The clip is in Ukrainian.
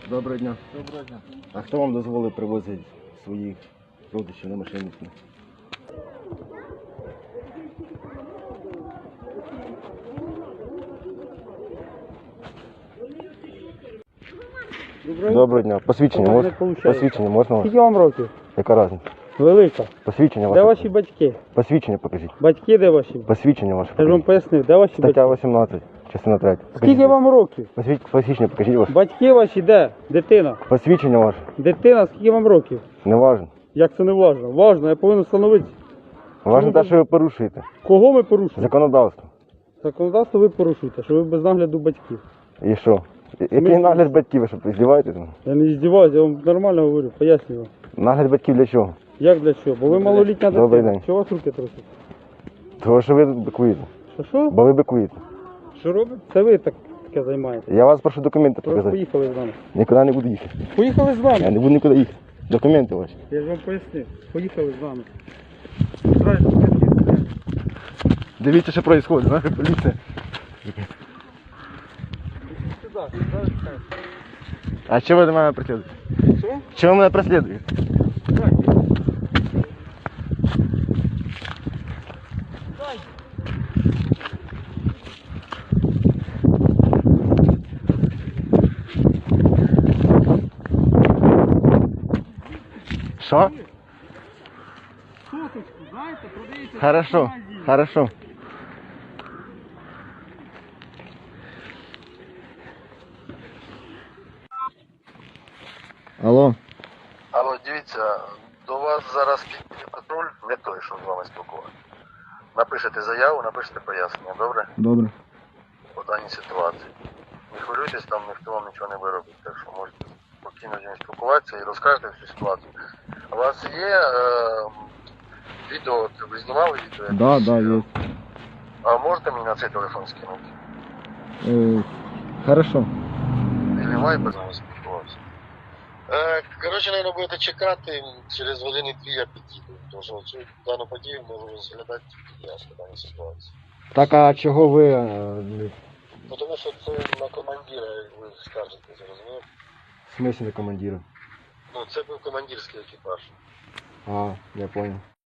Доброго дня. Доброго дня. А хто вам дозволив привозити своїх родичів на машині? Доброго дня. Посвідчення можна? Посвідчення можна вас? Скільки вам років? Яка різниця? Велика. Посвідчення Де ваше? ваші батьки? Посвідчення покажіть. Батьки де ваші? Посвідчення ваше Я ж вам покажіть. пояснив, де ваші Стаття батьки? 18, частина 3. Скільки вам років? Посвідчення покажіть ваше. Батьки ваші де? Дитина. Посвідчення ваше. Дитина, скільки вам років? Не важно. Як це не важно? Важно, я повинен встановити. Важно те, що ви порушуєте. Кого ми порушуємо? Законодавство. Законодавство ви порушуєте, що ви без нагляду батьків. І що? Який нагляд батьків, ви що, здіваєтесь? Я не здіваюся, я вам нормально говорю, пояснюю вам. Нагляд батьків для чого? Як для чого? Бо ви малолітня Добрий дитина. день. Чого у вас руки трусять? Того, що ви бикуєте. Що? Бо ви бикуєте. Що робите? Це ви таке займаєте. Я вас прошу документи Тож показати. поїхали з нами. Нікуди не буду їхати. Поїхали з Я вами. не буду нікуди їхати. Документи ваші. Я ж вам пояснив. Поїхали з вами. Дивіться, що відбувається, наша поліція. А чого ви до мене преслідуєте? Що? Чого ви мене преслідуєте? Що? Соточку, знаєте, продається. Хорошо, хорошо. Алло. Алло, дивіться, до вас зараз підійде патруль, не той, що з вами спілкуватися. Напишете заяву, напишете пояснення, добре? Добре. По даній ситуації. Не хвилюйтесь, там ніхто вам нічого не виробить, так що можете спокійно з ним спілкуватися і розкажете всю ситуацію. У вас є відео, от ви знімали відео? якесь? Да, є. А можете мені на цей телефон скинути? Хорошо. Или вайбер з вами спілкувався? Коротше, наверное, будете чекати, через години-дві я підійду, тому що цю дану подію можу розглядати я в даній ситуації. Так, а чого ви... Ну, тому що це на командира ви скажете, зрозумів? В смысле на командира? Ну, це був командирський екіпаж. А, я понял.